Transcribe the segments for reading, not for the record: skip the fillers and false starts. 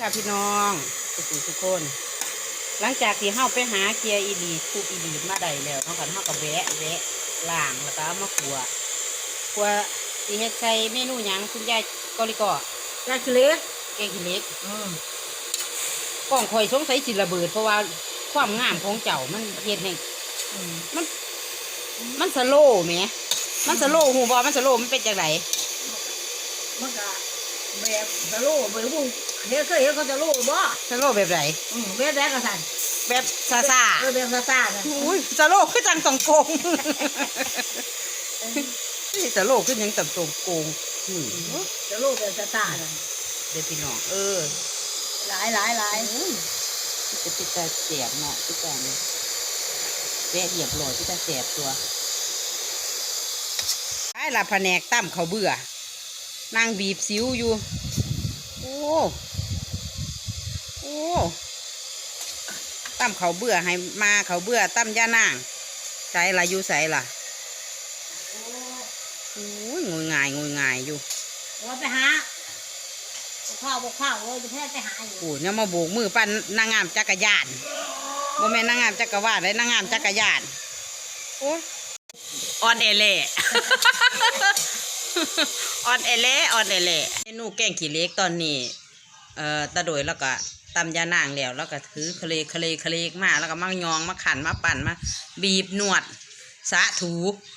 ค่ะพี่น้องทุกคนหลังจากที่เฮาไปหาเกียร์อีลีคูอีลีมาได้แล้วเฮาก็กับแวะล้างแล้วก็มาขัวสิเฮ็ดใส่เมนูหยังคุณยายกอลิกอแกงขี้เหล็กกล้องข่อยสงสัยสิระเบิดเพราะว่าความงามของเจ้ามันเฮ็ดให้มันสโลว์แหมมันสโลว์หูบ่มันสโลว์มันเป็นจังไดมันก็แบบสโลว์แบบพวกเคยเห็นเขาสโลว์บ่สโลว์แบบไหนแบบแรกก็สั่นแบบซาแบบซานะอุ้ยสโลว์คือจังต้องโกงนี่สโลว์คือยังต้องโกงสโลว์แบบซาน่ะเด็กพี่น้องหลายจะติดตาเสียบเนาะติดตาเนี่ยแวะเหยียบหลอดติดตาเสียบตัวไอ้ละแผนกตั้มเขาเบื่อนางบีบสิวอยู่โอ้ตั้มเขาเบื่อให้มาเขาเบื่อตั้มย่านางใส่ละอยู่ใส่ละโอ้ยงวยง่ายอยู่ว่าไปหาข้าวเลยจะแพ้ไปหาอยู่โอ้เนี่ยมาโบกมือปั้นนางงามจักรยานโมเมนนางงามจักรวาลเลยนางงามจักรยานโอ้ยออนเอเล่ออนเอเล่เมนูแกงขี้เหล็กตอนนี้ตะโดยแล้วก็ตำยานางแล้วก็ถือเคลมาแล้วก็มายองมาขันมาปั่นมาบีบนวดสะถู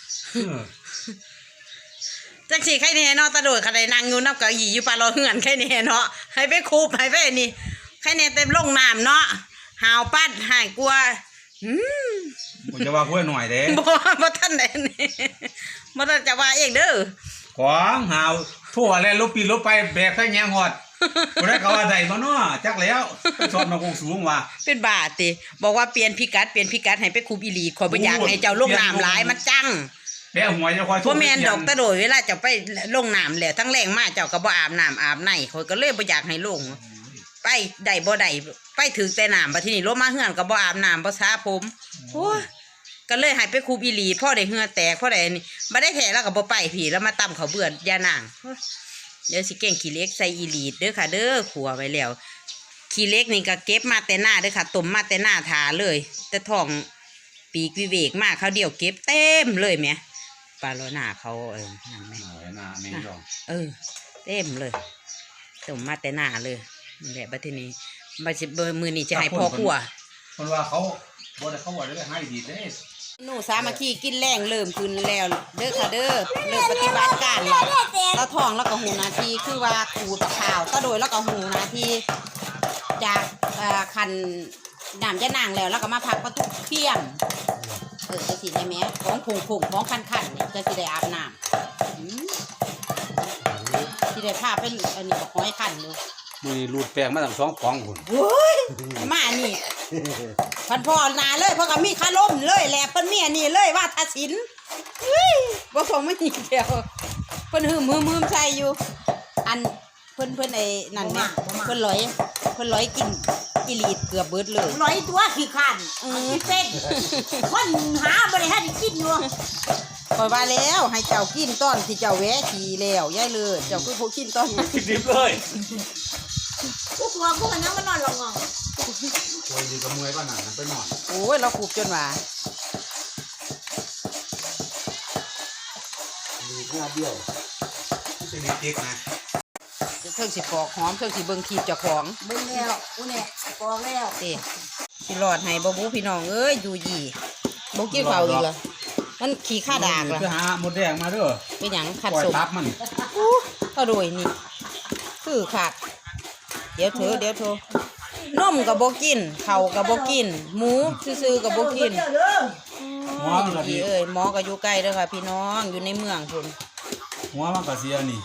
จังสิใครเนี่ยเนาะตะโดยใครนางอยู่นับกับหยีอยู่ปลาเราเหือนใครเนี่ยเนาะให้ไปคูบให้ไปนี่ใครเนี่ยเต็มลงน้ำเนาะหาวปั้นหายกลัวผมจะว่าพูดหน่อยเด้บ่ท่านไหนนี่บ่ท่านจะว่าเองเด้อของหาวทั่วแล้วลบปีลบไปแบกแค่แง่หอดบ่ได้เขาว่าใดมาเนาะจักแล้วชอบมาคงสูงว่ะเป็นบาติบอกว่าเปลี่ยนพิกัดให้ไปคูบอีหลีขอบ่อยากให้เจ้าลงน้ำหลายมันจังแม่หัวจะคอยพ่อแม่นดอกตะโดยเวลาเจ้าไปลงน้ำแล้วทั้งแรงมาเจ้าก็บ่อาบน้ำอาบในข่อยก็เลยบ่อยากให้ลงไปได้บ่ได้ไปถึงแต่น้ำบัดทีนี้ลงมาเฮือนก็บ่อาบน้ำบ่สระผมโอ้ยก็เลยให้ไปคูบอีหลีพ่อได้เหือแตกพ่อได้นี่บ่ได้แท้แล้วก็บ่ไปผีแล้วมาตำเขาเบื่อยานางเดี๋ยวสิแกงขี้เหล็กใส่อีหลีเด้อค่ะเด้อขัวไว้แล้วขี้เหล็กนี่ก็เก็บมาแต่หน้าเด้อค่ะต้มมาแต่หน้าถาเลยแต่ท้องปีกวิเวกมากเขาเดียวเก็บเต็มเลยแหมปลาโลน่าเขานั่นแม่เต็มเลยต้มมาแต่หน้าเลยนี่แหละบัดทีนี้บัดสิมือนี่จะให้พ่อขัวคนว่าเขาบ่ได้เขาว่าได้ให้ดีเด้หนูสามัคคีกินแรงเริ่มขึ้นแล้วเด้อค่ะเด้อเริ่มปฏิบัติการแล้วตะทองแล้วก็หูนาทีคือว่าขูดข่าวตะโดยแล้วก็หูนาทีจากคันน้ำจะนางแล้วก็มาพักประตูเพียงจะสิได้แม้ของผงของคันนี่จะสิได้อาบน้ำสิได้พาเป็นอันนี้บอกห้อยคันเลยมือรูดแปลงมาตั้ง2 ป๋องหุ่นโอ้ยมานี่พันพ่อนาเลยเพราะกับมีคาล่มเลยแหละเพิ่นมีอันนี้เลยว่าทัศินบ่ส่งไม่ดีเดียวเพิ่นหืมใส่อยู่อันเพิ่นไอ้นั่นแม่เพิ่นลอยกินอีลีดเกือบเบิดเลยลอยตัวขี้ขันเส้นคนหาบ่ได้ให้กินอยู่คอยว่าแล้วให้เจ้ากินต้อนที่เจ้าแวะขี่แล้วย้ายเลยเจ้าคือผู้กินต้อนดิบเลยพวกมันยังมันนอนหลงโอ้ยดีกับมวยป่ะหนังไปนอนโอ้ยเราขูบจนว่าดีหน้าเบี้ยวจะดีเจ๊กนะเครื่องสิปอกหอมเครื่องสิเบิ่งขีดเจ้าของเบิ่งแล้วเนี่ยปอกแล้วสิหลอดให้บ่บูพี่น้องเอ้ยอยู่ยี่บ่กินข้าวอีกเหรอมันขี้ข้าดากเหรอไปหาหมดแดงมาเด้อเป็นหยังขัดสมมันก็โดยนี่คือขาดเดี๋ยวเถอะนมกับโบกินเข่ากับโบกินหมูซื่อกับโบกินหมอมันก็ดีหมอก็อยู่ใกล้เด้อค่ะพี่น้องอยู่ในเมืองพุ่นหัวมันก็เสียนี่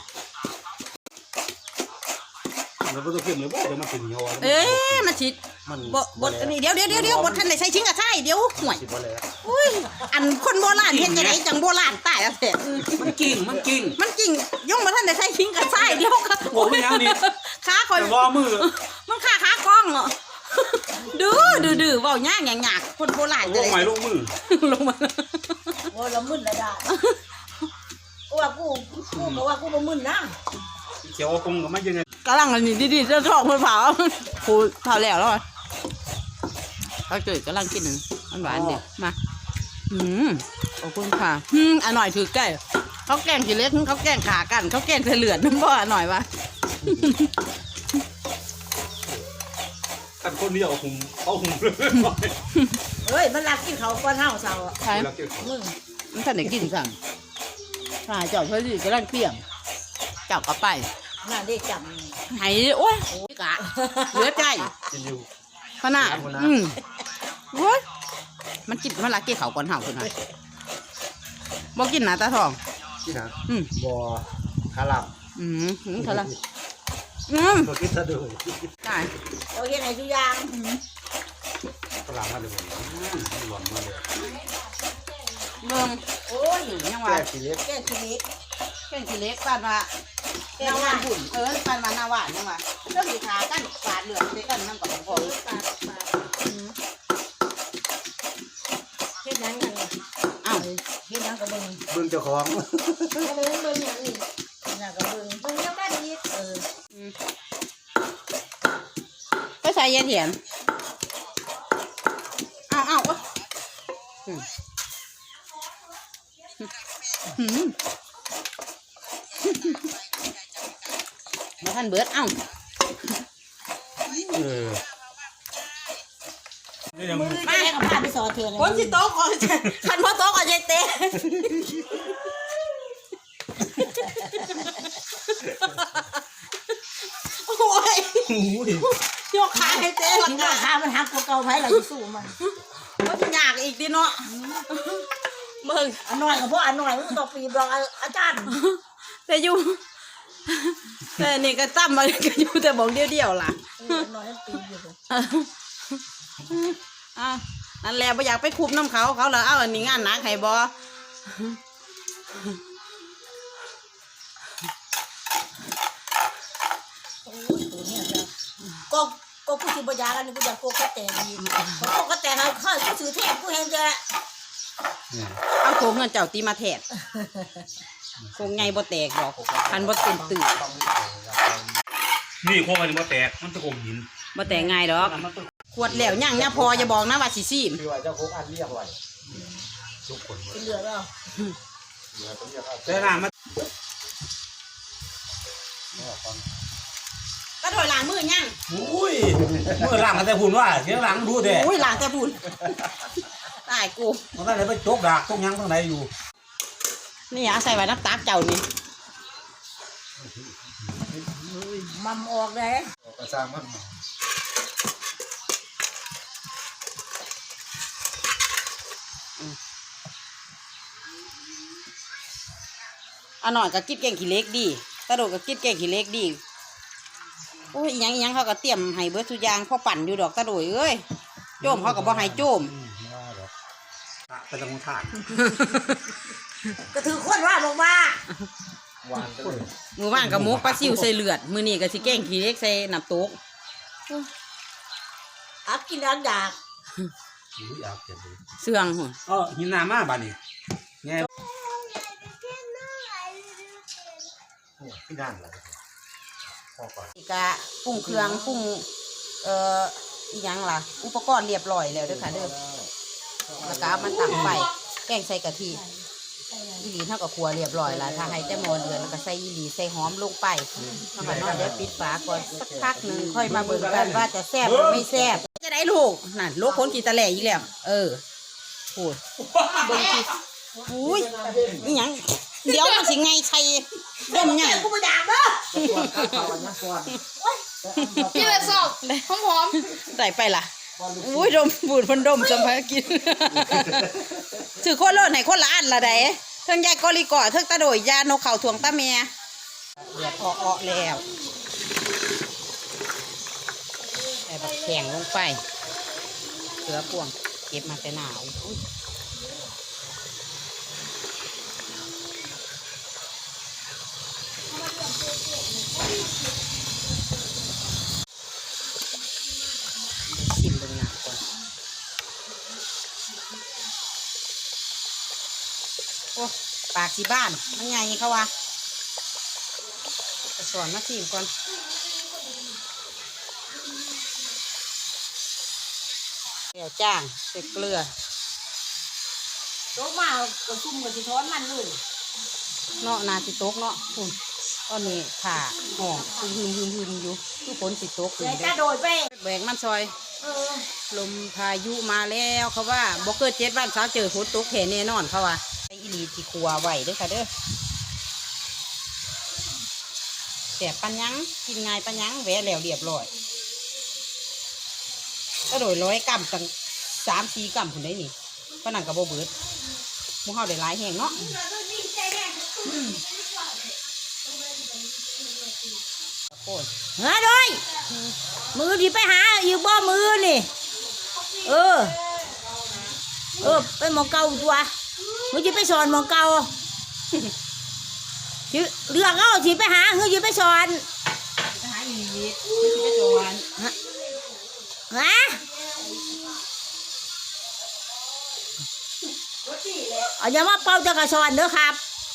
แล้วบ่ต้องเก็บเลยบ่เดี๋ยวมันเป็นเหี่ยวมันสิบดนี่เดี๋ยวบดท่านได้ใช้ชิ้นกระช่เดี๋ยวห่วยอุ้ยอันคนโบราณเฮ็ดจังได๋จังโบราณตายแล้วแท้มันกิ่งย่งบ่ท่านได้ใช้ชิ้นกระช่เดี๋ยวค่ะโอ้ยยังนี่ขาคอยบ่มือมันขากล้องเนาะดื้อเว้ายากคนโบราณจะได้ลงมือโอ้ละมึนละดาว่ากูบ่มึนนะเขียวกงก็ไม่ยังไงกำลังอันนี้ดีๆจะทองมันเผาครูเผาแล้วอ่ะเขาเกิดกำลังกินหนึ่งมันหวานเด็ดมาขอบคุณค่ะอร่อยถือใกล้เขาแกงกี่เล็กเขาแกงขากันเขาแกงเลือดน้ำบ่อหน่อยวะท่านคนนี้เอาหุ่มเลยเฮ้ยมันรักกินเขาก้อนเห่าเสาใช่มึงมันท่านได้กินสั่งถ้าเจ้าเพื่อที่กำลังเปรี้ยงเจ้าก็ไปน่าได้จไหายโอ้ยกะเหลือใจกินอยู่ขนาดโอ้ยมันกินมันรักกินเขาก่อนเห่าคนนั้นบอกกินนะตาทองที่ไหนอืมบ่อคาราบเท่าไรบ่กินซะด้วยได้ำเราเห็นไหนทุกอย่างคาราบมาเลยบ่หล่นมาเลยเบิ่งโอ้ยยังว่าแก่กิเล็กแก้ชีวิตแกงขี้เล็กปานว่าแกงหวานบุ่นปานว่าหน้าหวานยังว่าเรื่องสีขากันปาดเหลืองใส่กันน้ำกับของปาดเฮ็ดยังกันอ้าวเฮ็ดยังกับเบิ่งเบิ่งเจ้าของเบิ่งเบิ่งอย่างนี้น่ากับเบิ่งเบิ่งยังได้ดีไปใส่ยาเถียนเอามาท่านเบิดเอ้านี่ยังมือแม่กับพาไปสอนเถื่อนคนสิโต๊ะก่อนคันพ่อโต๊ะก่อนยายเต้โอ้ยยกขาให้เต้หลังกินข้าวขามันหักกว่าเก่าไผเราสู้มันมันจะยากอีกดิเนาะเบิ่งอันน้อยกับพวกอันน้อยมันต้องปีบรองอาจารย์แต่อยู่แต่นี่ก็ตั้มมาก็อยู่แต่บอกเดียวๆล่ะอันน้อยมันปีอยู่นั่นแหละบ่อยากไปคุบน้ำเขาแล้วเอาอันนี้งานหนักให้บ่โอ้ยตัวเนี่ยจ้ะก็ผู้ที่บริยากันนี่กูอยากโกกระแตดีโกกระแตเขาเขาซื้อเทพกูเห็นจะเอาโคงเงินเจ้าตีมาแทดโคงไงบ่แตกดอกคันบ่เต็มตื่นนี่โคมันบ่แตกมันตะกมหินบ่แตกง่ายดอกขวดแล้วยังเนี่ยพออย่าบอกนะว่าสิซีมคือว่าเจ้าโคกอันเรียกไว้ทุกคนเป็นเหลือแล้วแต่น้ามันก็ถอยหลังมือยังอุ้ยเมื่อหลังกันแต่หุ่นว่าเสียงหลังดูเด้อุ้ยหลังแต่บุญตายกูมันก็เลยไปจกดากตรงยังตรงไหนอยู่นี่อาใส่ไว้น้ำตาเจ้านี่มัมออกเลยกระซังมันอันหน่อยก็กินแกงขี้เล็กดีตะโดดก็กินแกงขี้เล็กดีโอ้ยอีหยังเขาก็เตรียมให้เบิดทุกอย่างพอปั่นอยู่ดอกตะโดยเอ้ยโจมเขาก็บ่ให้โจมเป็นตะมุทานก็ถือคนว่าลงมาหวานจังเลยมือว่างกับมุกปลาซิวใส่เลือดมือนี่ก็สิแกงขี้เล็กใส่น้ำตกอักกินอันดากอุ้ยอยากเก็บเลยเสื่องหุ่นหินน้ำมาบ้านนี่ไงพี่ด้านเหรอพ่อก่อนอีกะปรุงเครื่องปรุงอีหยังล่ะ อุปกรณ์เรียบร้อยแล้วเด้อค่ะเด้อแล้วก็เอามันตั้งไฟแกงใส่กะทิอีหลีเท่ากับครัวเรียบร้อยแล้วถ้าให้แต่หมอเดือนแล้วก็ใส่อีหลีใส่หอมลงไปแล้วก็นอนเดี๋ยวปิดฝาก่อนสักพักหนึ่งค่อยมาเบิ่งกันว่าจะแซ่บหรือไม่แซ่บจะได้ลูกนั่นลูกคนกี่ตะแหล่อีกแล้วโอ้ยเบิ่งทีอุ้ยอีหยังเดี๋ยวมันสิไงใส่เริ่มยังกูไม่ด่าเด้อพี่เลยสอบหอมได้ไปล่ะอุ้ยดมบูดพันดมจำพากินถือคนโลดไหนคนละอันละไดเทิงยายกอลิก่อเทิงตะโดยยานกเข่าถ่วงตาเมียเดือดออกแล้วใส่บักแข็งลงไปเสือพ่วงเก็บมาแต่หนาวชิมเบิ่งหนักก่อนโอ้ปากสีบ้านมันไงเขาวะสอนมาชิมก่อนเดี๋ยวจ้างใส่เกลือโตมาก็ซุ่มก็สิถอนมันเลยเนาะนาสิตกเนาะคุณตอนนี้ขาห่องหึมอยู่ทุกคนสิตกอยู่เดี๋ยวเด้จะโดยไปแบกมันซอยเออลมพายุมาแล้วเขาว่าบ่เกิด7 วันเช้าเจอฝนตกแห่แน่นอนเขาว่าไอ้อีหลีที่ครัวไหวเด้อค่ะเด้อแสบปัญญังกินง่ายปัญญังแหวะแล้วเรียบร้อยก็โดย100 กรัมตั้ง3-4 กรัมพุ่นได้นี่ปานนั้นก็บ่เบิดหมู่เฮาได้หลายแฮงเนาะโอ้ยเฮ้ยโดยมือที่ไปหาอยู่บ่มือนี่เออไปหมองเก่าตัวมือที่ไปสอนหมองเก่าสิเลือกเอาสิไปหาเฮ้ยสิไปสอนไปหาอีหลีไม่สิไปสอนฮะเอาอย่ามาเป่าจะกระสอนเด้อครับ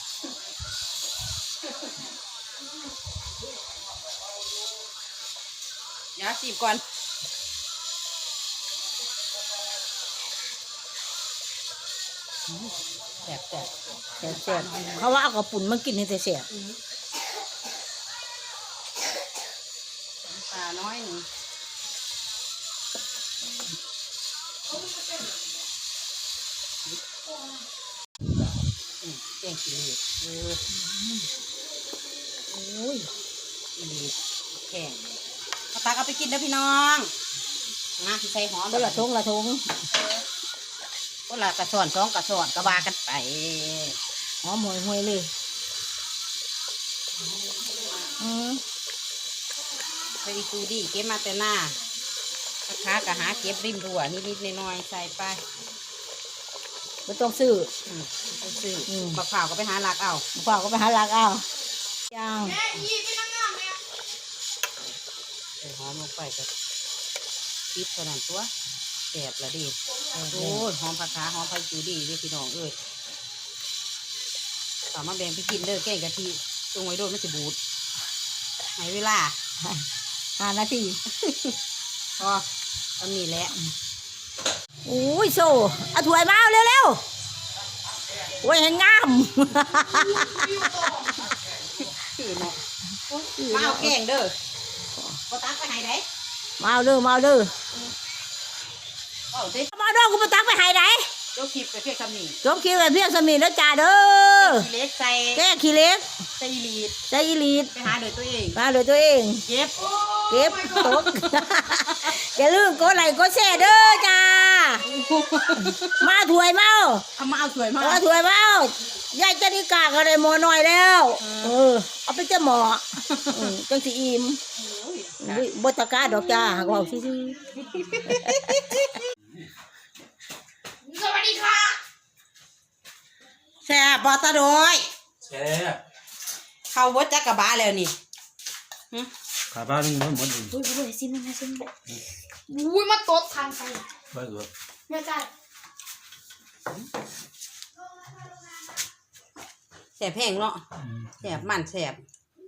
เดี๋ยวสิบก่อนแสบแซ่บๆเขาว่าเอากระปุ่นมากินให้แซ่บปลาน้อยหนึ่งแกงขี้เหล็กโอ้ยอีเหล็กแข็งเอาตักเอาไปกินเด้อพี่น้องนะที่ใส่หอมๆละทงละทงก็ละกระสอน2 กระสอนกระบากันไปหอมห่วยๆเลยอืมไปอีกูดีเก็บมาแต่หน้าค้ากะหาเก็บริมรั้วนิดๆหน่อยๆใส่ไปไม่ต้องซื้อไปซื้ออืมบักเผาวก็ไปหาหลักเอาฝากก็ไปหาลักเอาย่างแม่ยีเป็นนางงามแม่ใส่หอมลงไปก็ปิดเท่านั้นตัวแสบละดิโอ้ยหอมผักขาหอมผักจูดีเด้อพี่น้องเอ้ยสามารถแบ่งไปกินเด้อแกงกะทิตรงไว้โดนไม่จะบูดให้เวลา 5 นาทีพอตอนนี้แหละอุ้ยโซ่เอาถ้วยมาเอาเร็วๆโอ้ยให้งามพี่เนาะมาเอาแกงเด้อก็ตักไปให้ได้มาเอาเด้อเอาสิมาเอาเด้อกูมาตักไปให้ไหนเจ้าคลิปไปเพียงคำนี้จบคิวกับเพียงสมีแล้วจ้าเด้อขี้เล็กใส่แก้ขี้เล็กใส่อีลีดใจอีลีดไปหาโดยตัวเองมาโดยตัวเองเก็บเก็บตก อย่าลืมกดไลค์กดแชร์เด้อจ้า มาถ้วยเมาเอามาเอาสวยมากมาถ้วยเมายายจะนิกาก็ได้หมอหน่อยแล้วเอาไปเจ้าหมอจังสีอิ่มบตะกร้าดอกจ้าก็เอาซื่อสวัสดีค่ะแซ่บบอตะโดยแซ่บเข้าวัดจักกะบาแล้วนี่ขาบ้านนึงมันหมดเลยๆอุ้ยซิมมาซิมอุ้ยมาโต๊ะทางไปไปเถอะแม่จ้าแซ่บแห้งเนาะแซ่บมันแซ่บ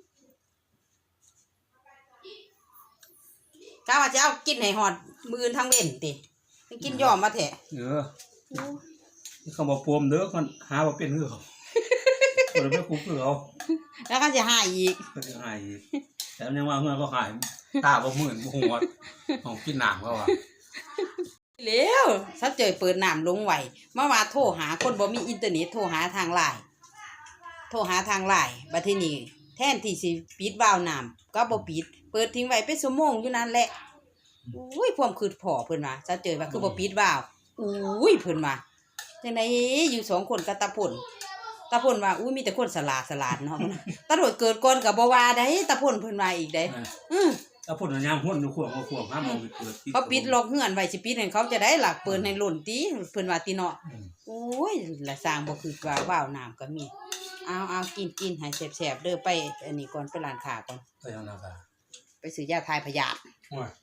ก้าว่าจะเอากินให้หอดมือทั้งเว้นติไปกินยอมมาแถะเขาบอกปวมเด้อคนหาว่าเป็นเหือเขาคนไม่คุ้มเหือเขาแล้วก็จะหายอีกก็จะหายอีกแต่ยังว่าเหือก็หายตาบ่มื่นบ่หัวของกินน้ำเขาอ่ะเร็วถ้าเจอเปิดน้ำลงไหวมาว่าโทรหาคนบ่มีอินเทอร์เน็ตโทรหาทางไลน์บัดทีนี้แทนที่สิปิดวาล์วน้ำก็บ่ปิดเปิดทิ้งไว้เป็นชั่วโมงอยู่นั่นแหละอุ้ยความคืดพอเพิ่นว่าถ้าเจอว่าคือบ่ปิดวาล์วอุ้ยเพิ่นว่าจังไดอยู่2 คนกับตาพ่นว่าอุ้ยมีแต่คนสลาดเนาะตาโดดเกิดก่อนก็บ่ว่าได้ตาพ่นเพิ่นว่าอีกได้ถ้าพูดอย่างหุ่นขวงเอาขวงห้ามเอาไปเปิดเขาปิดล็อกเฮือนไว้สิปิดให้เขาจะได้หลักเปิดให้หล่นติเพิ่นว่าติเนาะโอ้ยละสร้างบ่คือว่าว้าวน้ำก็มีเอากินให้แซ่บๆเด้อไปอันนี้ก่อนไปร้านค้าก่อนไปทางนาคาไปซื้อยาทายพยาธิโอ้ย